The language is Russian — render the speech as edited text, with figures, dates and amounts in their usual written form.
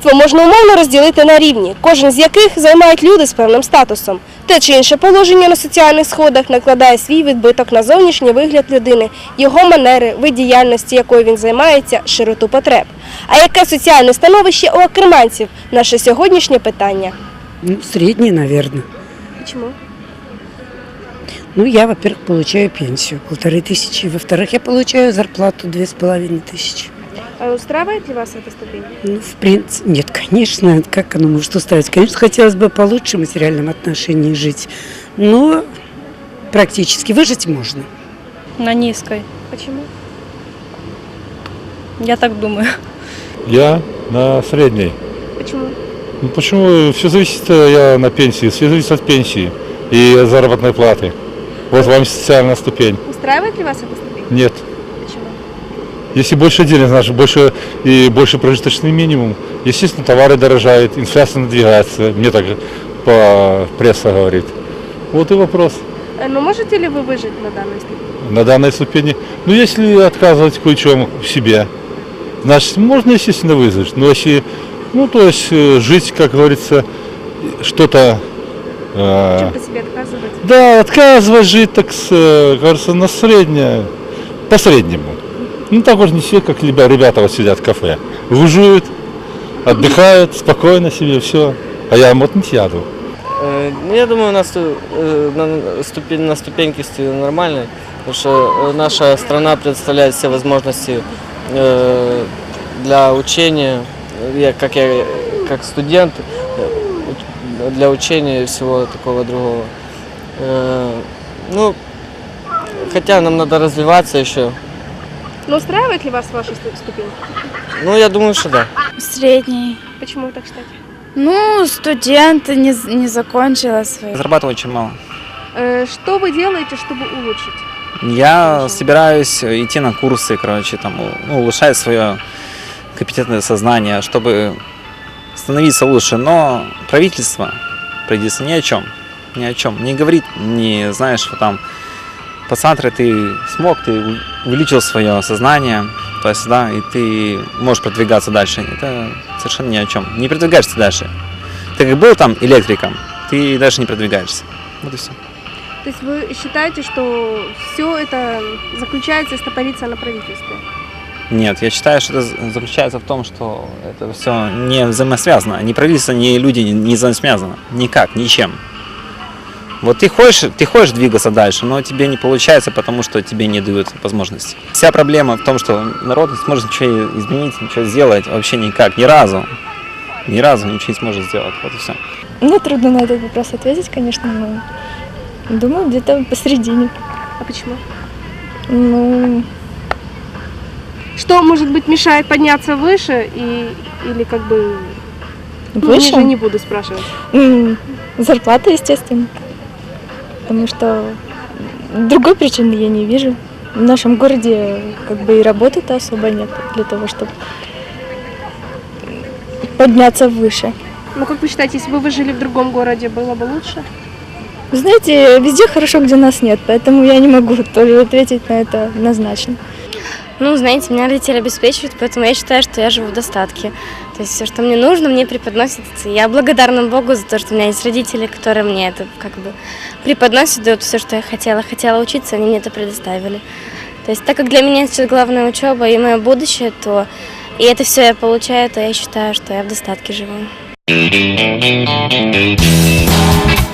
Суспільство можна умовно розділити на рівні, кожен з яких займають люди з певним статусом. Те чи інше положення на соціальних сходах накладає свій відбиток на зовнішній вигляд людини, його манери, вид діяльності, якою він займається, широту потреб. А яке соціальне становище у окреманців – наше сьогоднішнє питання. Средний, наверное. Чому? Я, во-первых, получаю пенсию 1500, во-вторых, я получаю зарплату 2500. А устраивает ли вас эта ступень? В принципе, нет, конечно, как оно может устраивать? Конечно, хотелось бы получше в материальном отношении жить, но практически выжить можно. На низкой. Почему? Я так думаю. Я на средней. Почему? Почему? Все зависит, я на пенсии, все зависит от пенсии и от заработной платы. Вот вам социальная ступень. Устраивает ли вас эта ступень? Нет. Почему? Если больше денег, значит больше прожиточный минимум. Естественно, товары дорожают, инфляция надвигается, мне так по пресса говорит. Вот и вопрос. Но можете ли вы выжить на данной ступени? На данной ступени. Если отказывать кое-чем в себе, значит, можно, естественно, выжить. Но если, жить, как говорится, что-то... Чем-то себе отказывать? Да, отказывать жить, так кажется, на среднее, по среднему. Так вот не все, как ребята вот сидят в кафе. Выживают, отдыхают, спокойно себе, все. А я не сяду. Я думаю, на ступеньке стою нормально, потому что наша страна предоставляет все возможности для учения, я как студент, для учения и всего такого другого. Хотя нам надо развиваться еще. Но устраивает ли вас ваша ступень? Я думаю, что да. Средний. Почему вы так считаете? Студент, не закончила свою. Зарабатываю очень мало. Что вы делаете, чтобы улучшить? Я собираюсь идти на курсы, улучшать свое компетентное сознание, чтобы становиться лучше. Но правительство ни о чем. Не говорит, посмотри, ты смог, ты увеличил свое сознание, и ты можешь продвигаться дальше. Это совершенно ни о чем. Не продвигаешься дальше. Ты как был там электриком, ты дальше не продвигаешься. Вот и все. То есть вы считаете, что все это заключается и стопорится на правительстве? Нет, я считаю, что это заключается в том, что это все не взаимосвязано. Ни правительство, ни люди не взаимосвязаны. Никак, ничем. Вот ты хочешь двигаться дальше, но тебе не получается, потому что тебе не дают возможности. Вся проблема в том, что народ не сможет ничего изменить, ничего сделать, вообще никак, ни разу ничего не сможет сделать, вот и все. Мне трудно на этот вопрос ответить, конечно, но думаю, где-то посередине. А почему? Что, может быть, мешает подняться выше или Выше? Ниже не буду спрашивать. Зарплата, естественно. Потому что другой причины я не вижу. В нашем городе и работы-то особо нет для того, чтобы подняться выше. Как вы считаете, если бы вы жили в другом городе, было бы лучше? Вы знаете, везде хорошо, где нас нет, поэтому я не могу тоже ответить на это однозначно. Знаете, меня родители обеспечивают, поэтому я считаю, что я живу в достатке. То есть все, что мне нужно, мне преподносится. Я благодарна Богу за то, что у меня есть родители, которые мне это преподносят, дают все, что я хотела. Хотела учиться, они мне это предоставили. То есть так как для меня сейчас главная учеба и мое будущее, то и это все я получаю, то я считаю, что я в достатке живу.